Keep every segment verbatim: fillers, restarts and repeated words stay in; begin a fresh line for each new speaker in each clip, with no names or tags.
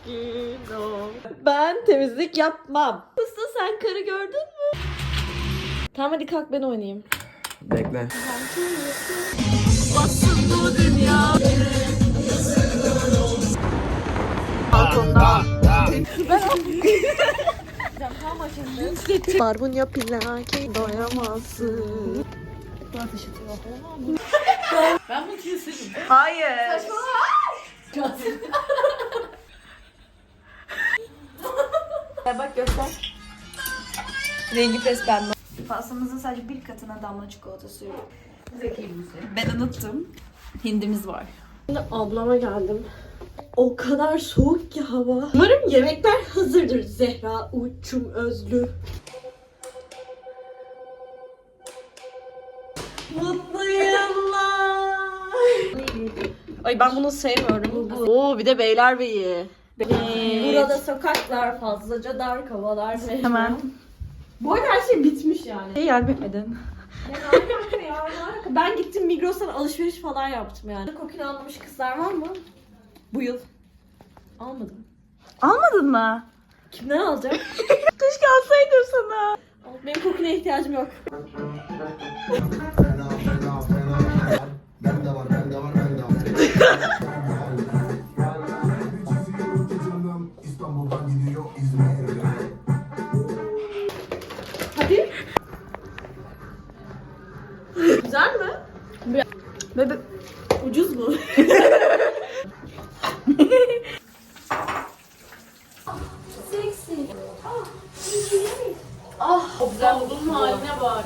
sakin ol. Ben temizlik yapmam. Usta sen karı gördün mü? Tamam hadi kalk ben oynayayım.
Bekle.
Bassın bu dünya. Balkonda. Barbunya plaki doyamazsın.
Ben bunu keserim.
Hayır.
Bak göster. Rengi pes pembe. Pastamızın sadece bir katına damla çikolata sürüyorum.
Zeki misin?
Ben unuttum. Hindimiz var.
Şimdi ablama geldim. O kadar soğuk ki hava. Umarım yemekler hazırdır Zehra Uçum Özlü. Mutlu yıllar. Ay ben bunu sevmiyorum. Oo bir de Beylerbeyi. Burada sokaklar fazlaca dar, havalar
Hemen.
Bu arada her şey bitmiş yani.
Yardım etmedin.
Ben gittim Migros'tan alışveriş falan yaptım yani. Kokini anlamış kızlar var mı? Bu yıl. Almadım.
Almadın mı?
Kimden alacağım?
Keşke alsaydım sana.
Benim kokine ihtiyacım yok.
Fena fena fena. Bende var bende var bende var. İstanbul'dan gidiyor İzmir'e.
Hadi. Güzel mi?
Bebe
Ucuz mu?
Güzel bunun haline bak.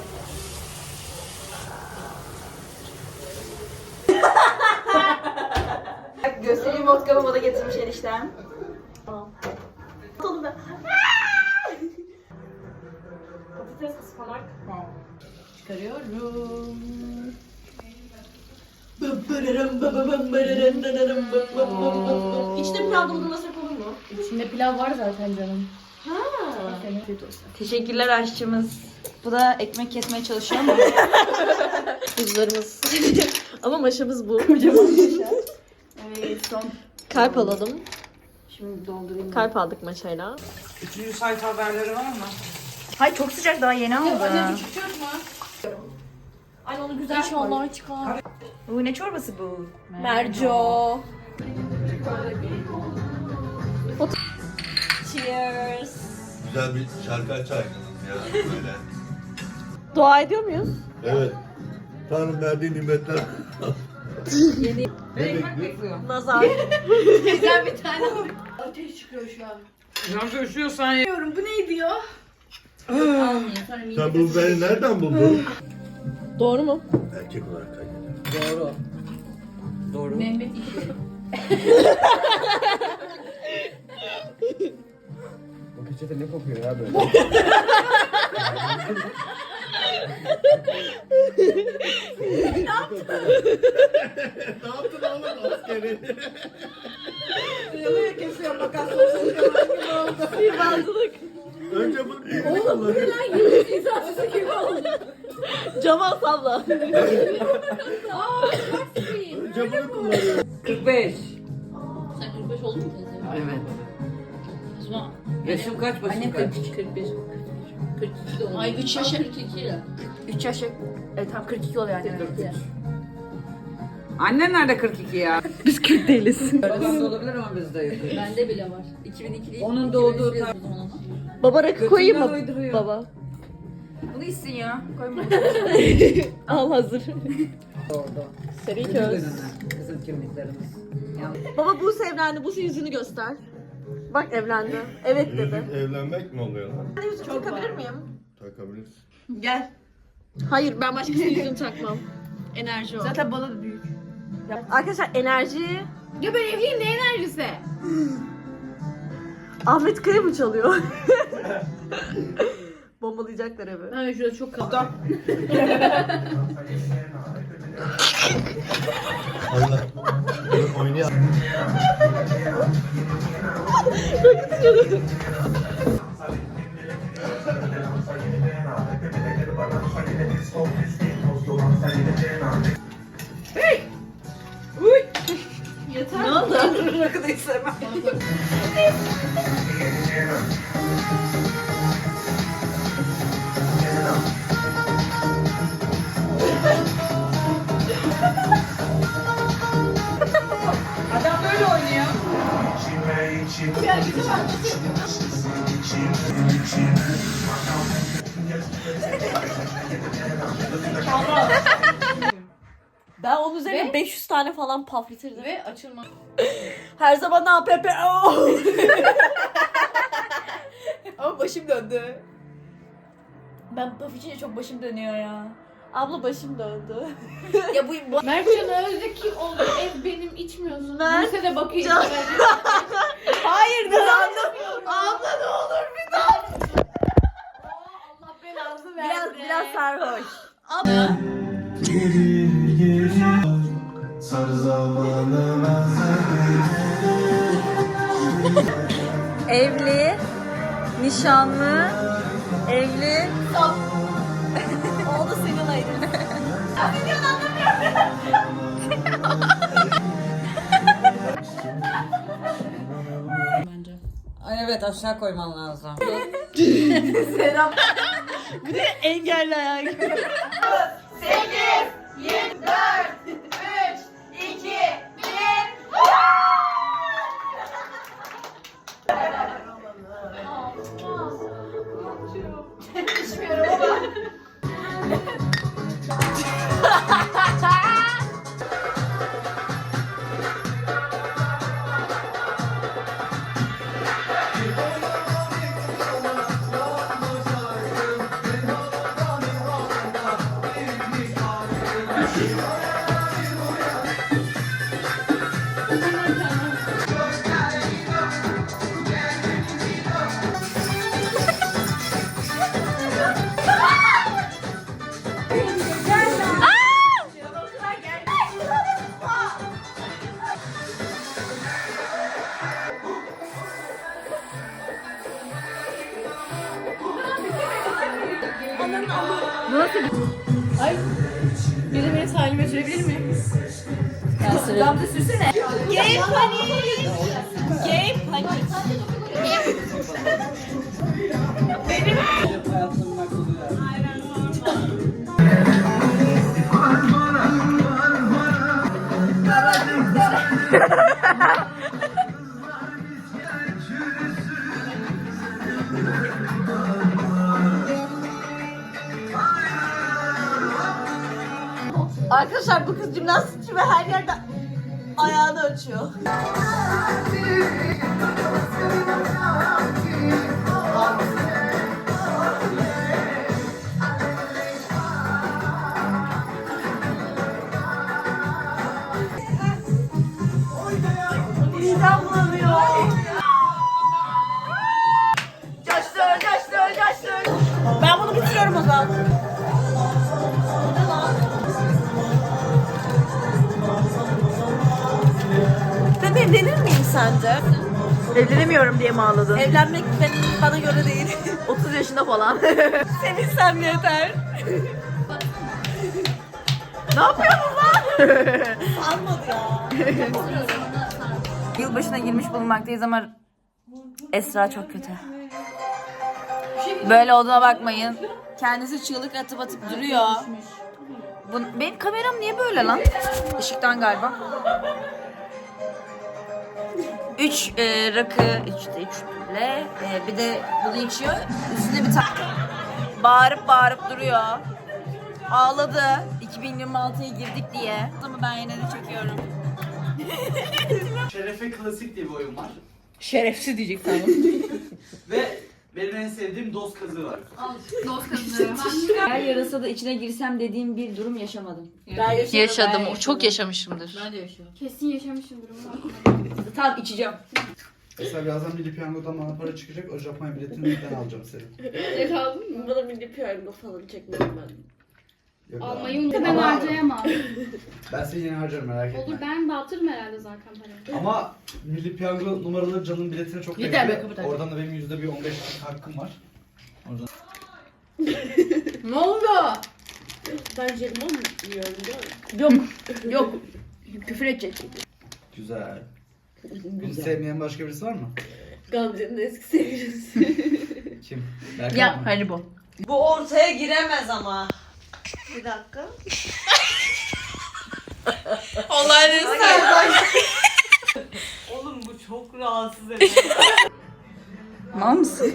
Bak göstereyim vodkamı bana getirmiş eniştem.
Atalım ben. Patates ıspanak.
Çıkarıyorum.
İçinde pilav doldurmasak olur mu?
İçinde pilav var zaten canım.
Ha.
Teşekkürler aşçımız. Bu da ekmek kesmeye çalışıyor ama.
Buzlarımız. Ama maşamız bu.
Evet son.
Kalp alalım.
Şimdi doldurayım.
Kalp aldık maşayla.
Üçüncü sayfa haberleri var mı?
Hay çok sıcak daha yeni aldım.
Ay onu güzel
İnşallah çıkar.
Bu ne çorbası bu?
Merco. Cheers.
Güzel bir şarkı açar ya böyle.
Dua ediyor muyuz?
Evet. Tanrım verdiği nimetler.
Nazar.
Güzel bir tane ateş çıkıyor şu an.
Gamze üşüyorsan ye.
Bilmiyorum bu neydi ya? Almayayım sonra mide
Sen bu beni nereden buldun?
Doğru mu?
Erkek olarak kaydedin.
Doğru. Doğru.
Mehmet işi.
Bu peçete ne kokuyor ya böyle?
Ne yaptın oğlum askeri?
Yalıya kesiyor makas olsun.
Sihirbazlık.
Önce bunu kullanıyor.
İnsafsızı gibi oldu.
Cama salla.
Önce bunu kullanıyor.
kırk beş.
Sen kırk beş oldun mu teyze?
Evet.
Osman.
Yaşım kaç başım
Annem
kaç?
kırk üç, kırk bir. kırk iki de oldu. Ay üç yaşa. kırk iki lira.
üç yaşı. Evet tam kırk iki oluyor yani.
Annen nerede kırk iki ya?
Biz kırk değiliz.
Babam da olabilir ama bizde yok.
Bende bile var.
iki bin iki değil.
Onun doğduğu
Biz
tar-
o zaman ama.
Baba rakı koyayım mı?
Götünden uyduruyor.
Baba.
Bunu içsin ya. Koyma.
Al hazır.
doğdu.
Seri
Bizim
köz.
dönemi, bizim kimliklerimiz. Yani
Baba Buse evlendi. Buse yüzünü göster. Bak evlendi. Evet dedi.
Yüzük evlenmek mi oluyor lan?
Ben yüzük takabilir miyim?
Takabilirsin.
Gel.
Hayır ben başkasının yüzünü takmam. Enerji o.
Zaten bana da büyük.
Arkadaşlar enerji
Ya ben evliyim ne enerjisi?
Ahmet Kaya mı çalıyor? Bombalayacaklar evi.
Ben şurada çok kaldım.
Allah. Dur oynayalım.
Ne oldu?
Rakı da istemem.
Ben onun üzerine beş yüz tane falan paf bitirdim.
Ve açılma.
Her zaman A P P.
Ama başım döndü. Ben paf içince çok başım dönüyor ya.
Abla başım döndü.
Ya bu, bu...
Mertcan Özde kim oldu? Ev benim içmiyorsun.
Mert
Buse de bakıyor.
Can-
Hayır dur anladım.
Abla ne olur bir daha.
Allah belanı
Biraz
versin.
biraz sarhoş.
Sar zamanı
Evli, nişanlı, evli.
Oldu senin ayrı.
Bence.
Ay evet aşağı koyman lazım.
Selam.
Bir de engelli ayağı gibi.
Biri beni sahilime sürebilir mi?
Gamze sürsene.
Game panik. Game panik. Arkadaşlar bu kız jimnastikçi ve her yerde ayağını açıyor. Midem bulanıyor.
Coştur, coştur, coştur.
Ben bunu bitiriyorum o zaman. Ben evlenir miyim sence?
Evlenemiyorum diye mi ağladın?
Evlenmek benim, bana göre değil.
otuz yaşında falan.
Sevinsem yeter. Ne yapıyorsun lan? Almadı ya.
Yılbaşına girmiş bulunmaktayız ama Esra çok kötü. Böyle olduğuna bakmayın. Kendisi çığlık atıp atıp duruyor. Bu, benim kameram niye böyle lan? Işıktan galiba. Üç e, rakı, üçte üçle e, bir de bunu içiyor. Üstüne bir tane bağırıp bağırıp duruyor. Ağladı. iki bin yirmi altıya girdik diye. Ama ben yine de çekiyorum.
Şerefe Klasik diye bir oyun var.
Şerefsiz diyecek tamam.
Ve benim en sevdiğim dost kazığı var.
Dost kızı.
Her yarasa da içine girsem dediğim bir durum yaşamadım.
Ben yaşadım.
Yaşadım. Çok yaşamışımdır.
Ben de yaşıyorum.
Kesin yaşamışımdır ama.
Tamam içeceğim.
Mesela birazdan Milli Piyango'dan bana para çıkacak. O Japonya biletini ben alacağım senin.
Ne kaldın mı?
Bana milli piyango falan çekmedim ben.
Yok,
Almayı unuttum. Ben
Ama
harcayamam.
Ben seni yine harcarım, merak etme.
Olur, ben dağıtırım herhalde zaten parayı.
Ama Milli Piyango numaralı canın biletine çok
Yeter be,
bekliyor.
kapat.
Oradan da benim yüzde bir on beş hakkım var. Oradan...
Ne oldu?
Ben jelibon mu yiyorum değil mi?
Yok. Yok. Küfür edecek.
Güzel. Bunu sevmeyen başka birisi var mı?
Gamze'nin eski sevgilisi.
Kim? Berkan
Ya
mı?
Haribo.
Bu ortaya giremez ama. Bir dakika.
Olayları
Oğlum bu çok
çok rahatsız edici.
Mal mısın?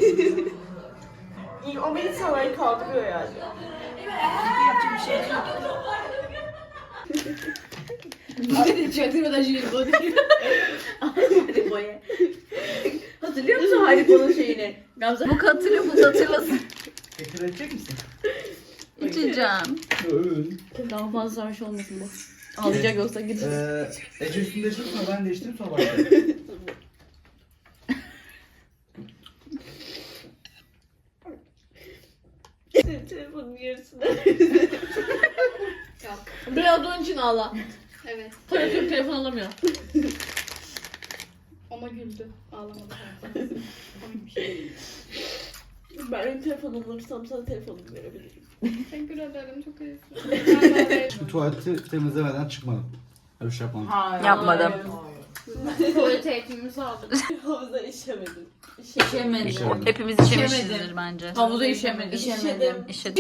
O beni sana kaldırıyor yani.
Çaktırmadan şimdi bu değil. Haribo'ya. Hatırlıyor musun Haribo'nun şeyini? Gamze.
Bu hatırlıyor bu da hatırlasın.
Tekrar edecek misin?
İçeceğim.
Daha fazla sarhoş olmasın bu. Alacak olsa gidecek.
Ee, Ece üstünü değiştirip sonra ben değiştirip sonra başlayalım.
Telefonun yarısını.
Yok.
Biraz onun için ağla.
Evet.
Tabii telefon alamıyor.
Ama güldü. Ağlamadı.
Ben benim telefonumu alırsam sana telefonumu verebilirim.
Teşekkür ederim. Çok iyisin.
Şu tuvaleti temizlemeden çıkmadım. Öyle bir şey yapmadım.
Yapmadım.
Tuvalet eğitimimizi aldık.
Havuza işemedim.
İşemedim.
İşemedim.
Hepimiz işemişizdir bence.
Havuza işemedim.
İşedim.
İşedik.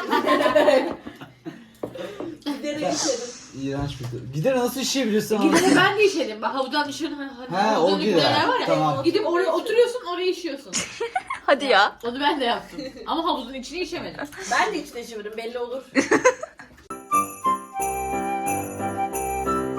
Gidere işedim.
İğrenç bir şey. Gider nasıl işeyebiliyorsun abi?
Gidene ben de işedim. Bak havuzdan dışarı hani hani
He, o
havuzdan
gider.
gidenler var ya.
Tamam.
Gidip oraya oturuyorsun, oraya işiyorsun.
Hadi ya.
Onu ben de yaptım. Ama havuzun içine işemedim.
Ben de içine işemedim belli olur.